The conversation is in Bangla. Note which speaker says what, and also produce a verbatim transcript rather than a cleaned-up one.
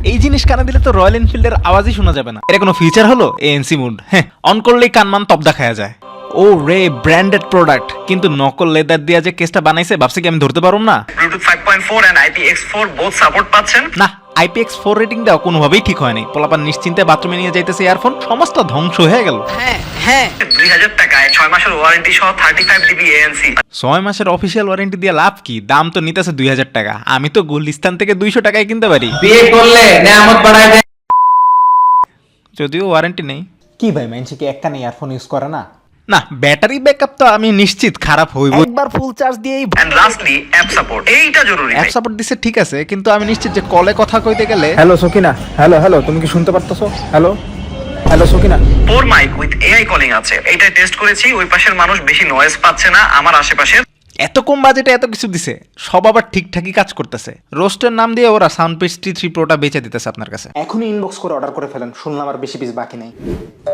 Speaker 1: এই জিনিস কানে দিলে তো রয়্যাল এনফিল্ডের আওয়াজই শোনা যাবে না। এটা কোনো ফিচার হলো? এএনসি মুড, হ্যাঁ, অন করলেই কানমান তবদা খায়া যায়। ও রে, ব্র্যান্ডেড প্রোডাক্ট, কিন্তু নকল লেদার দিয়া যে কেসটা বানাইছে ভাবছি কি আমি ধরতে পারুম না?
Speaker 2: Bluetooth five point four and I P X four both support পাচ্ছেন।
Speaker 1: না, I P X four rating দেওয়া কোনোভাবেই ঠিক হয়নি। পোলাপান নিশ্চিন্তে বাথরুমে নিয়ে যাইতেছে ইয়ারফোন, সমস্ত ধ্বংস হয়ে গেল।
Speaker 3: হ্যাঁ হ্যাঁ
Speaker 2: দুই হাজার টাকায় ছয় মাসের ওয়ারেন্টি সহ থার্টি ফাইভ ডিবি এএনসি।
Speaker 1: ছয় মাসের অফিসিয়াল ওয়ারেন্টি দিয়ে লাভ কি? দাম তো নিতেছে দুই হাজার টাকা। আমি তো গুলিস্তান থেকে দুইশো টাকায় কিনতে পারি,
Speaker 4: বিয়ে করলে নেয়ামত বাড়ায় দেয়।
Speaker 1: যদিও ওয়ারেন্টি নেই।
Speaker 5: কি ভাই, মানুষ কি একটা নেই ইয়ারফোন ইউজ করে না?
Speaker 1: না, ব্যাটারি ব্যাকআপ তো আমি নিশ্চিত খারাপ হইব। একবার ফুল চার্জ দিয়েই
Speaker 2: এন্ড লাস্টলি অ্যাপ সাপোর্ট, এইটা জরুরি।
Speaker 1: অ্যাপ সাপোর্ট দিছে ঠিক আছে, কিন্তু আমি নিশ্চিত যে কলে কথা কইতে গেলে
Speaker 5: হ্যালো সকিনা, হ্যালো হ্যালো, তুমি কি শুনতে পারতেছো? Hello hello Sakina.
Speaker 2: Four mic with AI calling আছে, এইটা টেস্ট করেছি। ওই পাশের মানুষ বেশি নয়েজ পাচ্ছে না, আমার আশেপাশে।
Speaker 1: এত কম বাজেটে এত কিছু দিছে, সব আবার ঠিকঠাকই কাজ করতেছে। রোস্টের নাম দিয়ে ওরা সাউন্ড পেজ টি থ্রি প্রোটা বেচে দিতেছে আপনার কাছে।
Speaker 5: এখনই ইনবক্স করে অর্ডার করে ফেলেন, শুনলাম আর বেশি পিস বাকি নেই।